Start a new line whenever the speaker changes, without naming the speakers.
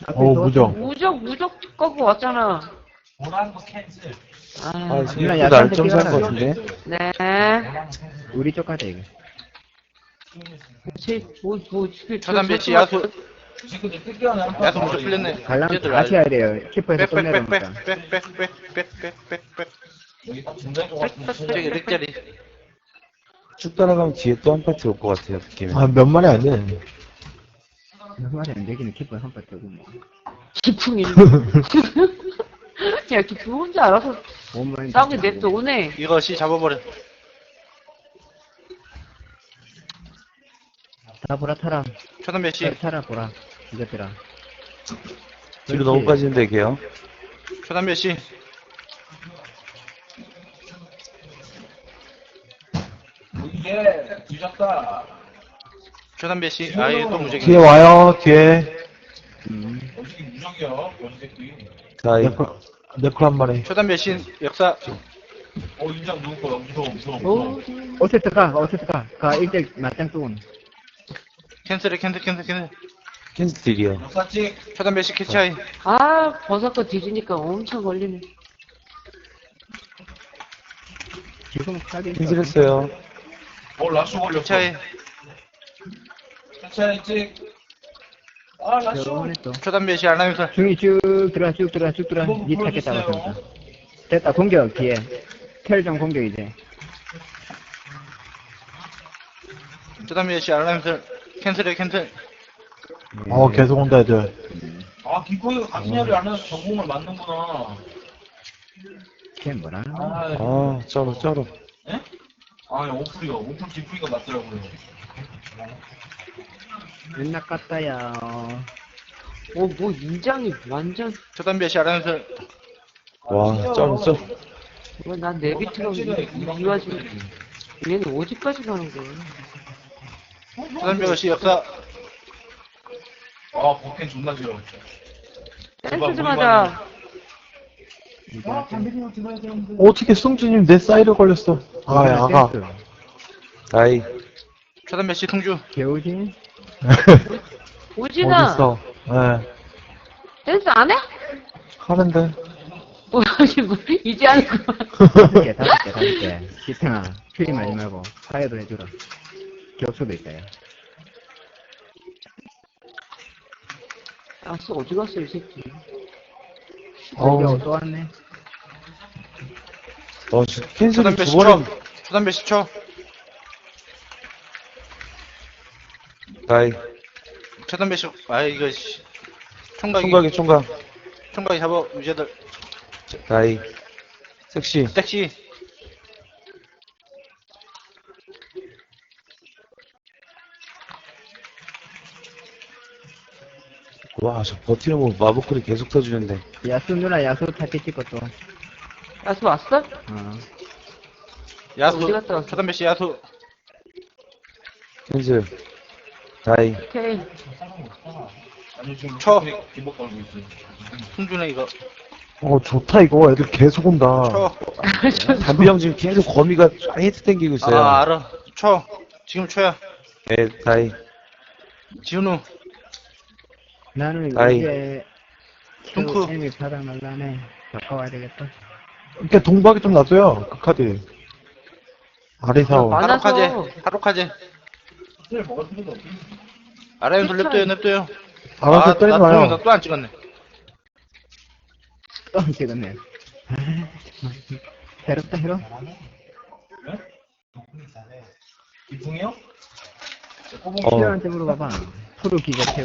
무적.
무적 거고 왔잖아. 아,
지금 날점 산 것 같은데?
네.
우리 쪽 가자, 이거.
지금
차단 배치 야수 야수 먼저 풀렸네.
갈라면
이제들
다시 해야 돼요. 키퍼에서 또 내려옵니다.
빽빽빽빽빽빽빽빽빽빽 저기 렉자리
쭉 따라가면 뒤에 또 한 파티 올 것 같아요, 느낌이.
몇 마리 안 돼.
몇 마리 안 되기는 키퍼에 한 발 뜨고 뭐.
기풍이. 야, 기풍 혼자 알아서
5마리.
싸우게 냅둬 오네.
이거 씨 잡아버려.
다 보라 타라.
차단 배치
타라 보라. 이것들아.
뒤로 너무 빠지는데, 걔요.
차단 배치 차단 배치 아예 또 무적이
뒤에 와요, 뒤에.
다이.
네코 한 마리.
차단 배치 역사
오,
어쨌든 가. 가 1대 맞짱 뜨고.
캔슬해 캔슬
캔슬이요.
차단 배치 캐치하이
아, 버섯거 뒤지니까 엄청 걸리네.
지금 가게.
캔슬했어요.
캐치하이
결혼했어.
차단 배치 알람이설
중이 쭉 들어가. 니 찾겠다 봤습니다. 됐다. 공격 뒤에. 텔정 공격 이제.
차단 배치 알람이설 캔슬해 캔슬
계속 온다, 애들.
김포이가 가시냐를 안 해서 전공을 맞는구나.
걔 뭐라는 거야?
쩔어.
오플 김포이가 맞더라고요.
맨날 깠다야.
뭐 인장이 완전.
차단 배치 알람이설
와, 쩔어.
난 내비트가 이 와중에 얘는 어디까지 가는 거야?
차단 배치 역사
버켄 존나 싫어.
댄스 좀 하자.
어떻게 승주님 내 사이드 걸렸어. 아가.
다이.
차단 배치 통주
개우지?
오진아,
어딨어.
댄스 안 해?
하는데.
뭐, 이제 하는 거.
5개. 기탱아, 퓨리 하지 말고, 사회도 해주라. 격수도 있다, 야.
아, 어디 갔어, 이 새끼.
또 왔네.
캔슬이
차단
두
배치
번은.
쳐 차단 배치 쳐
다이.
차단 배치 이거 씨 총각이 총각이 잡아 유재들
다이. 섹시.
섹시
와, 저 버티는 거 마법클이 계속 터지는데.
야수 누나, 야수 타겟 찍고 또.
야수 왔어?
야수
어디 갔다 왔어?
차단 배치 야수
캔슬. 다이.
오케이.
쳐
김복 걸고 있어요.
승준아 이거
좋다, 이거. 애들 계속 온다.
쳐
담비 형 지금 계속 거미가 히트 땡기고 있어요.
알아 쳐 지금 쳐야
네, 다이.
지훈우
나는
아이.
이제,
둥크.
애미 바닥 날라네. 바꿔와야 되겠다.
이렇게 동박이 좀 놔둬요, 그 카드. 아리사오.
많아서.
하루카제 아라연 냅둬요
알아서 때리지
나
마요.
동영상 또 안 찍었네
또 안 찍었네. 새롭다, 새로?
김풍이요?
시원한테 물어봐봐. 프로 기자